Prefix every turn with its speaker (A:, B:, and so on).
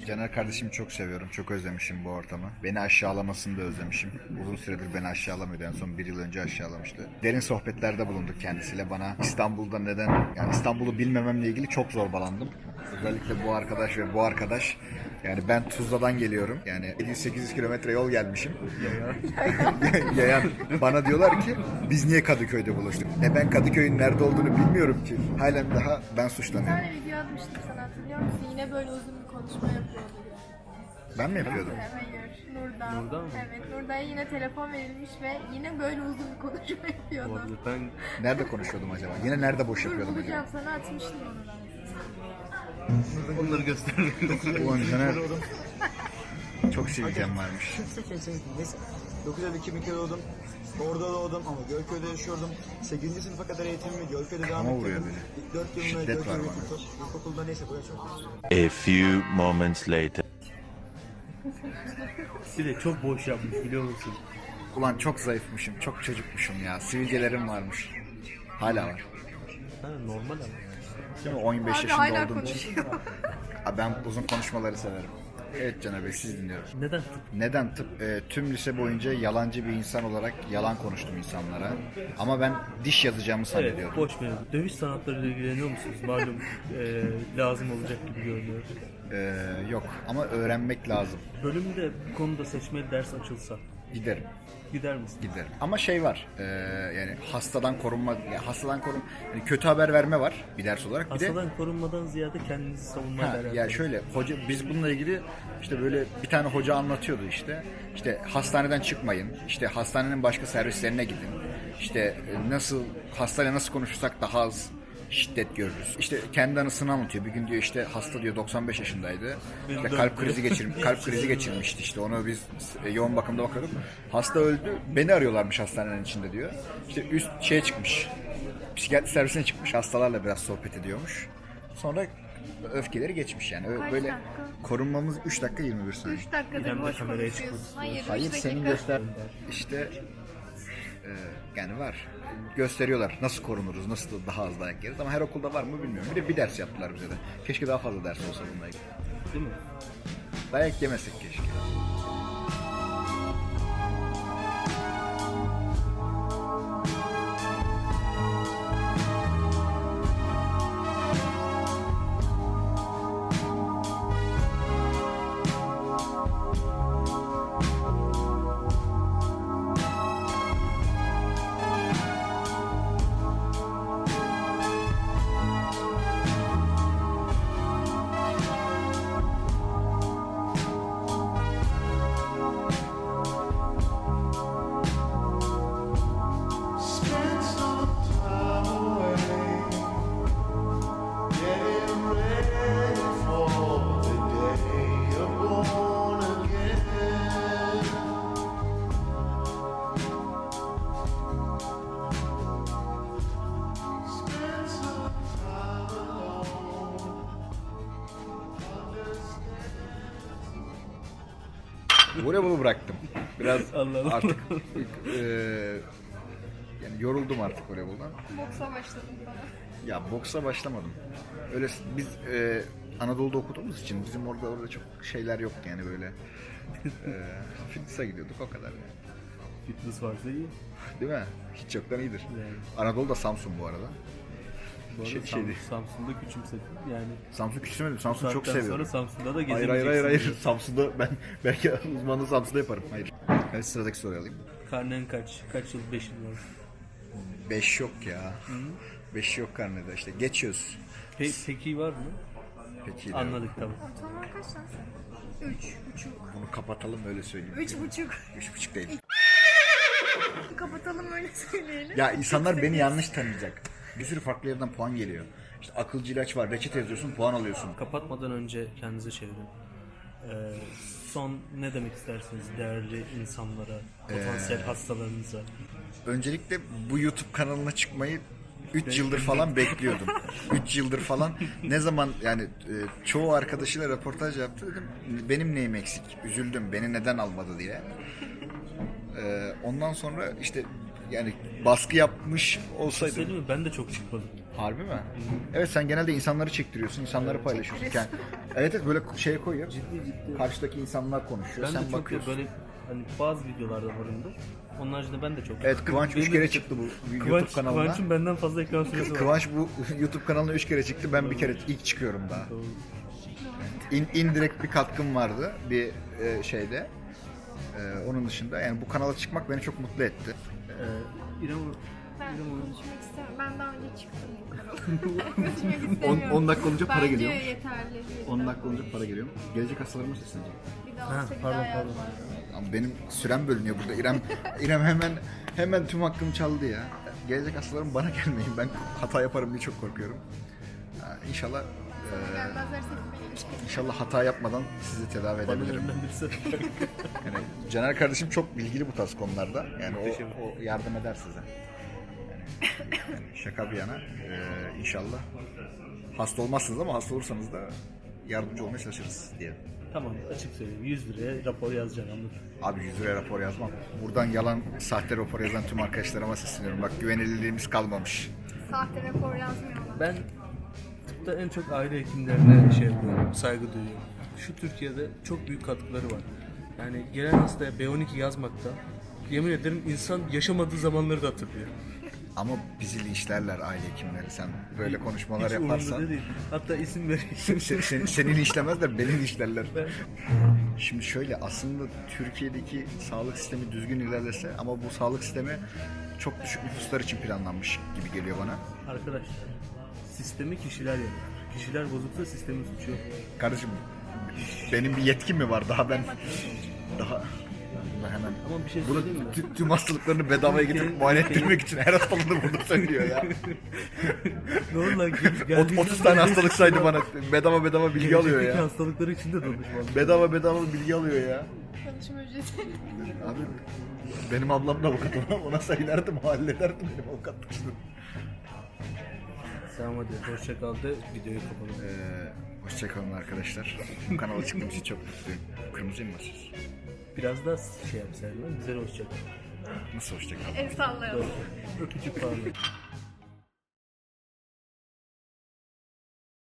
A: Caner kardeşimi çok seviyorum. Çok özlemişim bu ortamı. Beni aşağılamasını da özlemişim. Uzun süredir beni aşağılamıyordu. En son bir yıl önce aşağılamıştı. Derin sohbetlerde bulunduk kendisiyle. Bana İstanbul'da neden, yani İstanbul'u bilmememle ilgili çok zorbalandım. Özellikle bu arkadaş ve bu arkadaş. Yani ben Tuzla'dan geliyorum. Yani 700-800 kilometre yol gelmişim. Yayan. Bana diyorlar ki biz niye Kadıköy'de buluştuk? Ben Kadıköy'ün nerede olduğunu bilmiyorum ki. Halen daha ben
B: Bir
A: suçlanıyorum.
B: tane video atmıştım sana, hatırlıyor musun? Yine böyle uzun bir konuşma yapıyordu.
A: Ben mi yapıyordum?
B: Hayır, Nurdan.
C: Nurdan mı?
B: Evet, Nurda'ya yine telefon verilmiş ve yine böyle uzun bir konuşma yapıyordu.
C: Olabilir. Ben
A: Nerede konuşuyordum acaba? Yine nerede boş
B: Dur
A: yapıyordum acaba?
B: bulacağım, sana atmıştım onu ben.
C: onları gösterdim.
A: Ulan Caner çok sivilcem varmış.
D: Neyse. 9 Eylül 2002'de doğdum. Orada doğdum ama Gölköy'de yaşıyordum. 8. sınıfa kadar eğitimimi Gölköy'de devam
A: Ama vuruyor
D: ettirdim.
A: beni.
D: İlk 4 yılımda
A: Şiddet var
D: Gölköy
A: bana.
D: İlkokulda neyse buraya çok.
E: A few moments later.
C: Bir de çok boş yapmış biliyor musun?
A: Ulan çok zayıfmışım, çok çocukmuşum ya. Sivilcelerim varmış. Hala var.
C: Ha, normal ama.
A: Değil mi? 15
B: Abi
A: yaşında
B: hala
A: olduğum için.
B: konuşuyor.
A: Abi ben uzun konuşmaları severim. Evet Caner Bey, siz dinliyorum.
C: Neden tıp?
A: Neden tıp? Tüm lise boyunca yalancı bir insan olarak yalan konuştum insanlara. Ama ben diş yazacağımı
C: Evet,
A: zannediyordum.
C: boş mevzu. Dövüş sanatlarıyla ilgileniyor musunuz? Malum lazım olacak gibi görünüyor.
A: Yok ama öğrenmek lazım.
C: Bölümde bu konuda seçmeli ders açılsa
A: Giderim.
C: gider misin?
A: Giderim. Ama şey var, yani hastadan korunma, yani kötü haber verme var bir ders olarak. Bir de
C: Hastadan korunmadan ziyade kendinizi savunmayla alakalı.
A: ya şöyle hoca, biz bununla ilgili işte böyle bir tane hoca anlatıyordu işte hastaneden çıkmayın, işte hastanenin başka servislerine gidin, işte hastayla nasıl konuşursak daha az şiddet görürüz. İşte kendi anısını anlatıyor. Bir gün diyor işte hasta diyor 95 yaşındaydı. İşte kalp krizi geçirmişti işte. Onu biz yoğun bakımda bakıyorduk. Hasta öldü. Beni arıyorlarmış hastanenin içinde diyor. İşte üst şeye çıkmış. Psikiyatri servisine çıkmış. Hastalarla biraz sohbet ediyormuş. Sonra öfkeleri geçmiş yani.
B: Kaç
A: Böyle
B: dakika?
A: korunmamız 3 dakika 21 saniye.
B: 3 dakikadır
C: İrem de
B: boş
C: kameraya
B: konuşuyorsun.
C: çıkmak
B: Hayır,
A: Hayır
B: 3
A: senin
B: dakika.
A: göster işte yani var. Gösteriyorlar nasıl korunuruz, nasıl daha az dayak yeriz ama her okulda var mı bilmiyorum. Bir de bir ders yaptılar bize de. Keşke daha fazla ders olsa bununla ilgili.
C: Değil mi?
A: Dayak yemesek keşke.
F: Spend some time away, getting ready for the day you're born again. Spend some time alone,
A: Voleybolu bıraktım. Biraz
C: Allah Allah.
A: artık yani yoruldum artık voleyboldan.
B: Boksa başladım bana.
A: Ya boksa başlamadım. Öyle biz Anadolu'da okuduğumuz için bizim orada çok şeyler yok yani böyle. Fitness'a gidiyorduk o kadar yani.
C: Fitness varsa iyi.
A: Değil mi? Hiç yoktan iyidir.
C: Yani.
A: Anadolu'da Samsun bu arada.
C: Bu arada
A: Şeydi.
C: Samsun'da küçümsedim. Yani
A: Samsun küçülmedim. Samsun'u çok
C: saatten
A: seviyorum.
C: sonra Samsun'da da
A: Hayır
C: gezemeyeceksin.
A: hayır. Samsun'da ben belki uzmanlığı Samsun'da yaparım. Hayır. Evet, sıradaki soruyu alayım.
C: Karnen kaç? Kaç yıl? 5 yıl var.
A: 5 yok ya. 5 yok karnede işte. Geçiyoruz.
C: Peki var mı?
A: Peki.
C: Anladık tamam.
B: Ortalama kaç lan sen? 3,5.
A: Bunu kapatalım öyle söyleyeyim.
B: 3,5.
A: 3,5 değil.
B: Kapatalım öyle söyleyelim.
A: Ya insanlar beni yanlış tanıyacak. Bir sürü farklı yerden puan geliyor. İşte akılcı ilaç var. Reçete yazıyorsun, puan alıyorsun.
C: Kapatmadan önce kendinize çevirin. Son ne demek istersiniz değerli insanlara, potansiyel hastalarınıza?
A: Öncelikle bu YouTube kanalına çıkmayı 3 yıldır falan bekliyordum. 3 yıldır falan. Ne zaman yani çoğu arkadaşıyla röportaj yaptı dedim. Benim neyim eksik? Üzüldüm. Beni neden almadı diye. Ondan sonra işte yani baskı yapmış olsaydım.
C: Söyleyeyim mi? Ben de çok çıkmadım.
A: Harbi mi? Evet, sen genelde insanları çektiriyorsun, insanları paylaşıyorsun. Evet böyle şey koyuyor.
C: Ciddi.
A: Karşıdaki insanlar konuşuyor,
C: Ben
A: sen
C: de çok
A: bakıyorsun.
C: böyle hani bazı videolarda varımdır. Onun haricinde ben de çok.
A: Evet, Kıvanç 3
C: Benim
A: kere
C: de-
A: çıktı bu YouTube kanalına.
C: Kıvanç'ın benden fazla ekran süresi var.
A: Kıvanç bu YouTube kanalına 3 kere çıktı, ben bir kere ilk çıkıyorum daha. İndirekt bir katkım vardı bir şeyde. Onun dışında yani bu kanala çıkmak beni çok mutlu etti.
C: İrem
B: Ben
C: İrem Hanım.
B: konuşmak istemem. Ben daha önce çıktım bu kanala. Konuşmak istemiyorum.
A: 10 dakika olunca para
B: Bence
A: geliyor.
B: yeterli.
A: 10 dakika olunca para geliyor. Gelecek hastalarıma seslenecek.
B: Bir daha olsa bir
C: pardon,
B: daha
C: pardon.
B: yazmaz.
A: Ama benim sürem bölünüyor burada. İrem hemen tüm hakkımı çaldı ya. Gelecek hastalarım bana gelmeyin. Ben hata yaparım diye çok korkuyorum. İnşallah
B: Gelmezlerse gitmeyin.
A: inşallah hata yapmadan sizi tedavi
C: Bana
A: edebilirim.
C: önden birisi.
A: Yani Caner kardeşim çok bilgili bu tarz konularda. Yani o yardım eder size. Yani şaka bir yana inşallah hasta olmazsınız ama hasta olursanız da yardımcı olmaya çalışırız diye.
C: Tamam, açık söyleyeyim. 100 liraya rapor yazacaksın, anladın.
A: Abi 100 liraya rapor yazmam. Buradan yalan, sahte rapor yazan tüm arkadaşlarıma sesleniyorum. Bak, güvenilirliğimiz kalmamış.
B: Sahte rapor yazmıyorlar.
C: Ben tıpta en çok aile hekimlerine şey yapıyorum, saygı duyuyorum. Şu Türkiye'de çok büyük katkıları var. Yani gelen hastaya B12 yazmakta, yemin ederim insan yaşamadığı zamanları da hatırlıyor.
A: Ama bizi linçlerler aile hekimleri. Sen böyle konuşmalar
C: Hiç umurumda
A: yaparsan.
C: değil. Hatta isim vereyim.
A: Seni linçlemezler, beni linçlerler. Şimdi şöyle, aslında Türkiye'deki sağlık sistemi düzgün ilerlese ama bu sağlık sistemi çok düşük nüfuslar için planlanmış gibi geliyor bana.
C: Arkadaşlar, sistemi kişiler yapar. Kişiler bozuksa sistemin suçu yok.
A: Kardeşim, benim bir yetkim mi var daha ben hemen
C: Ama bir şey
A: bunu
C: söyleyeyim mi?
A: tüm hastalıklarını bedavaya getirip muayene ettirmek için her hastalığını burada söylüyor ya.
C: Ne oldu lan? Geldiğinden
A: 30 tane
C: beri-
A: hastalık saydı bana. Bedava bilgi alıyor
C: Gelecekteki
A: ya.
C: hastalıkları için de danışmalı.
A: Bedava bilgi alıyor ya.
B: Çalışma ücreti.
A: Abi benim ablam da avukat, ona söylerdim, hallederdim benim avukatlık işini.
C: Tamam hadi, hoşça kal de videoyu kapatalım.
A: Hoşçakalın arkadaşlar. Bu kanala çıktığım için çok mutluyum. Kırmızıyım mı siz?
C: Biraz daha şey yapsaydın, güzel hoşça kal.
A: Nasıl hoşçakalın?
B: El sallayalım.
C: Öpücük falan.